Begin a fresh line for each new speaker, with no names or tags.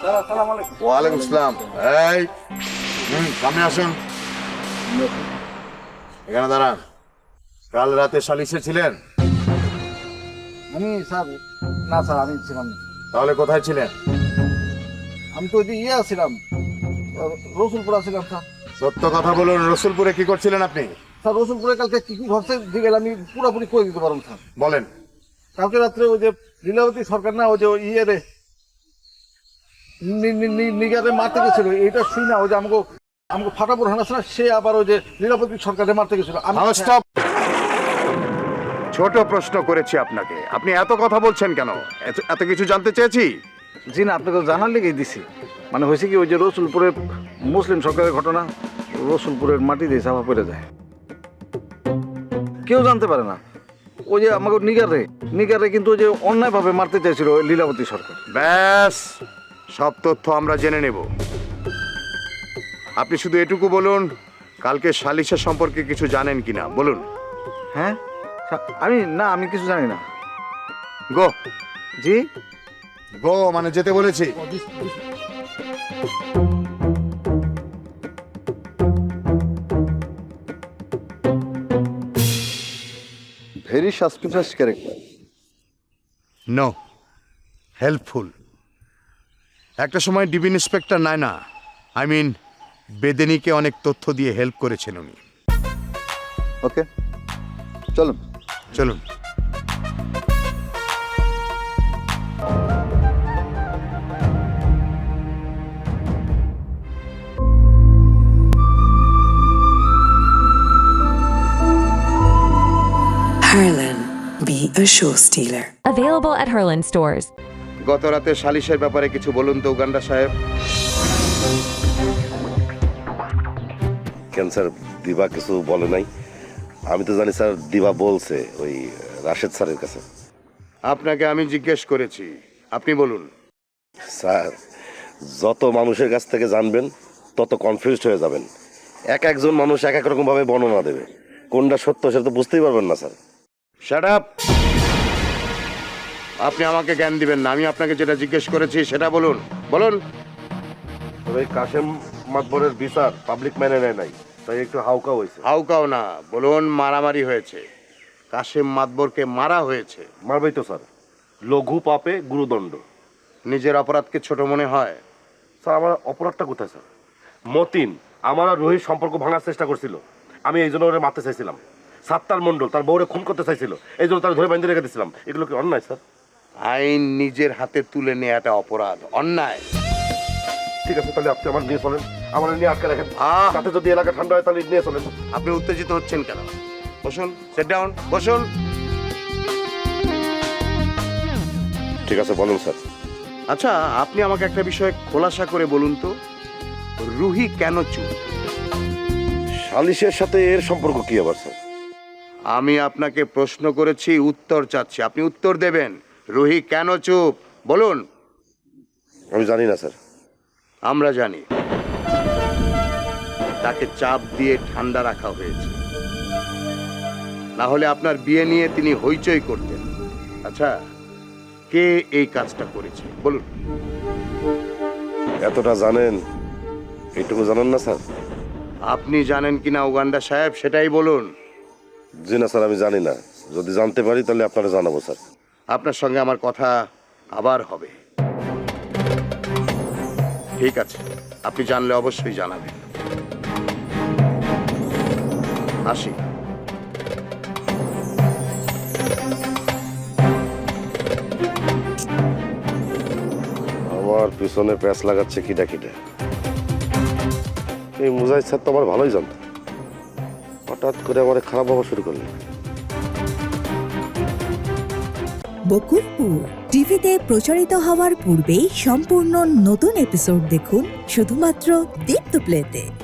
ওয়ালাইকুম আসসালাম। এই সামনে আসুন, এখানে দাঁড়ান। কাল রাতে সালিশে ছিলেন?
আমি স্যার না স্যার, আমি ছিলাম না।
তাহলে কোথায় ছিলেন?
আমি তো ওই যে ছিলাম, রসুলপুর ছিলাম স্যার।
সত্য কথা বলুন, রসুলপুরে কি করছিলেন আপনি?
স্যার রসুলপুরে কালকে কি কি ঘটছে দিকে আমি পুরোপুরি করে দিতে পারবো স্যার।
বলেন।
কালকে রাত্রে ওই যে লীলাবতী সরকার না, ওই যে রে নিগারে মারতে গেছিল, এটা শুই না ওই যে আমাকে আমাকে ফাটাপুর হানা ছিল, সে আবার ওই যে লীলাবতী সরকারে মারতে গেছিল।
স্টপ। ছোট প্রশ্ন করেছি আপনাকে, আপনি এত কথা বলছেন কেন? এত কিছু জানতে চেয়েছি।
জি না, আপনাকে জানার লেগেই দিছি। মানে হয়েছে কি, ওই যে রসুলপুরের মুসলিম সরকারের ঘটনা, রসুলপুরের মাটি দিয়ে চাপা পড়ে যায়, কেউ জানতে পারে না। ওই যে আমাকে নিগারে কিন্তু ওই যে অন্যায়ভাবে মারতে চাইছিল ওই লীলাবতী সরকার।
ব্যাস, সব তথ্য আমরা জেনে নেব। আপনি শুধু এটুকু বলুন, কালকে সালিশা সম্পর্কে কিছু জানেন কিনা বলুন।
হ্যাঁ আমি কিছু জানি না।
গো।
জি
গো মানে যেতে বলেছি।
Very suspicious character.
No, helpful. একটা সময় DB inspector Nayna, I mean বেদেনিকে অনেক তথ্য দিয়ে হেল্প করেছেন উনি।
ওকে, চলুন
চলুন।
Harlan, be a show stealer.
Available at Herland stores.
গত রাতে সালিশের ব্যাপারে কিছু বলুন তো উগান্ডা সাহেব।
কেন স্যার, দিবা কিছু বলে নাই? আমি তো জানি স্যার, দিবা বলছে ওই রাশেদ স্যারের কাছে।
আপনাকে আমি জিজ্ঞেস করেছি, আপনি বলুন।
স্যার, যত মানুষের কাছ থেকে জানবেন তত কনফিউজড হয়ে যাবেন। একজন মানুষ এক এক রকম ভাবে বর্ণনা দেবে, কোনটা সত্য সেটা তো বুঝতেই পারবেন না স্যার।
Shut up. আপনি আমাকে জ্ঞান দিবেন না, আমি আপনাকে যেটা জিজ্ঞেস করেছি সেটা বলুন। বলুন।
ওই কাশেম মাতবরের বিচার পাবলিক মেনে নেয় নাই, তাই একটু হাউকা হয়েছে।
হাউকাও না, বলুন মারামারি হয়েছে। কাশেম মাতবরকে মারা হয়েছে।
মারবেই তো স্যার, লঘু পাপে গুরুদণ্ড।
নিজের অপরাধকে ছোট মনে হয়?
স্যার, আমার অপরাধটা কোথায় স্যার? মতিন আমার আর রোহিত সম্পর্ক ভাঙার চেষ্টা করছিল, আমি এই জন্য ওরে মারতে চাইছিলাম। সাত্তার মণ্ডল তার বউরে খুন করতে চাইছিল, এই জন্য তার ধরে বাইন্ধে রেখে দিয়েছিলাম। এগুলো কি অন্যায় স্যার?
আইন নিজের হাতে তুলে নেওয়াটা অপরাধ, অন্যায়।
ঠিক আছে, তাহলে আপনি আমার নিয়ে চলেন, আমার নিয়ে আটকে রাখেন। তাতে যদি এলাকা ঠান্ডা হয় তাহলে নিয়ে চলেন।
আপনি উত্তেজিত হচ্ছেন কেন? বসুন, সিট ডাউন, বসুন।
ঠিক আছে, বলুন স্যার।
আচ্ছা, আপনি আমাকে একটা বিষয় খোলাসা করে বলুন তো, রুহি কেন চুপ?
সালিশের সাথে এর সম্পর্ক কি আবার স্যার?
আমি আপনাকে প্রশ্ন করেছি, উত্তর চাচ্ছি, আপনি উত্তর দেবেন। রুহি কেন চুপ বলুন।
আমি জানি না স্যার।
আমরা জানি, তাকে চাপ দিয়ে ঠান্ডা রাখা হয়েছে, না হলে আপনার বিয়ে নিয়ে তিনি হইচই করতেন। আচ্ছা, কে এই কাজটা করেছে বলুন।
এতটা জানেন, এইটুকু জানেন না স্যার?
আপনি জানেন কিনা উগান্ডা সাহেব সেটাই বলুন।
জি না স্যার, আমি জানি না। যদি জানতে পারি তাহলে আপনারা জানাবো স্যার।
আপনার সঙ্গে আমার কথা আবার হবে। ঠিক আছে, আপনি জানলে অবশ্যই জানাবেন। আসি।
আমার পিছনে প্যাঁচ লাগাচ্ছে কিটা কিটা। এই মুজাহিদ স্যার তো আমার ভালোই জানত, হঠাৎ করে আমার খারাপ ভাবা শুরু করলেন।
বকুলপুর টিভিতে প্রচারিত হওয়ার পূর্বেই সম্পূর্ণ নতুন এপিসোড দেখুন শুধুমাত্র দীপ্ত প্লেতে।